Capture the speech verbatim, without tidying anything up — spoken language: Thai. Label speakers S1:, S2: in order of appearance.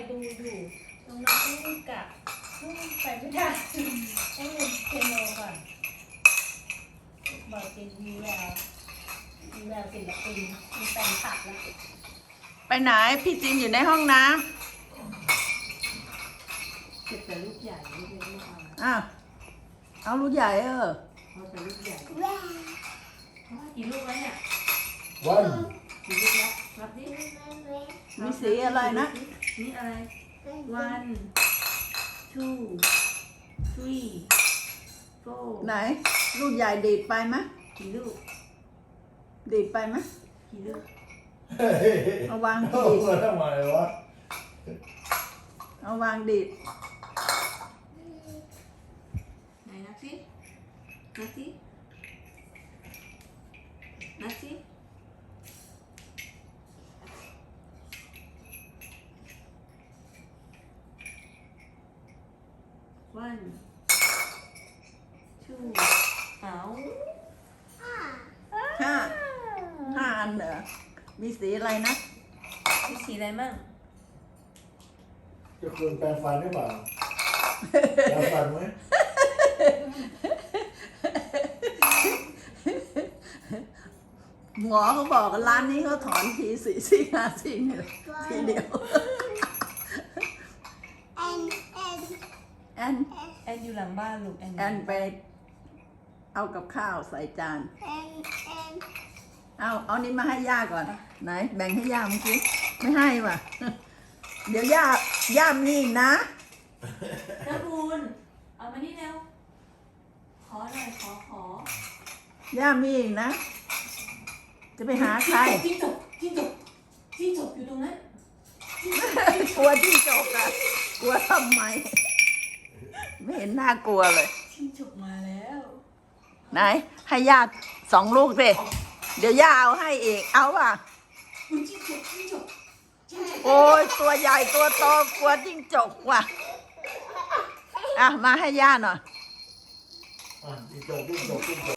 S1: ดูอยู่น้องๆต้องกลับไปไม่ได้ต้องเรียนเปียโนก่อนบอกเป็นมีแววมีแววศิลปินมีแฟนคลับแล้ว
S2: ไปไหนพี่จินอยู่ในห้องน้ำ
S1: เก็บแต่ลูกใหญ่ไม่เป็นลูกอ่อน
S2: อ้าวเอาลูกใหญ่เออ
S1: เอาแต่ลูกใหญ่กี่ลูกแล้วเนี่ย
S3: วัน
S1: กี่ลูกแล้วนับดิ
S2: มีสีอะไรนะ
S1: นี่อะไร one two three four
S2: ไหนลูกใหญ่ดีดไปไหม
S1: กี่ลูก
S2: ดีดไปไหม
S1: กี่ลูก
S2: เอาวาง
S3: เอา
S2: ดีด
S3: มาทำไมวะ
S2: เอาวางดีด
S1: ไหนนับสินับสินับสิ one two เอา
S2: ห้าห้าอันเหรอมีสีอะไรนะ
S1: มีสีอะไรมั่ง
S3: จะคุณแปรงฟันหรือเปล่าแปรงฟันไหม
S2: หมอเขาบอกว่าร้านนี้เขาถอนทีสี่สี่ห้าสี่เลยทีเดียวแอน
S1: แอนอยู่หลังบ้านลูกแอน
S2: แอนไปเอากับข้าวใส่จานเอาเอานี้มาให้ย่าก่อนไหนแบ่งให้ย่าเมื่อกี้ไม่ให้ว่ะ เดี๋ยวย่าย่ามีอีกนะ
S1: น้ำบุญเอามานี่เร็วขอหน่อยขอขอย่
S2: ามีอีกนะ จะไปหาใคร
S1: จิ้งจกจิ้งจกจิ้งจกอยู่ตรงนั้น
S2: กลัวที่จกอะกลัวทำไม ไม่เห็นน่ากลัวเลย
S1: จิ้งจกมาแล้ว
S2: ไหน ให้ญาติสองลูกสิเดี๋ยวย่าเอาให้อีก เอาป่ะ
S1: คุณจิ้งจกจิ้งจกจิ้งจก
S2: โอ้ยตัวใหญ่ตัวโตกลัวจิ้งจกว่ะ อ่ะ มาให้ย่าหน่อย
S3: อ่ะจิ้งจกจิ้งจกจิ้งจก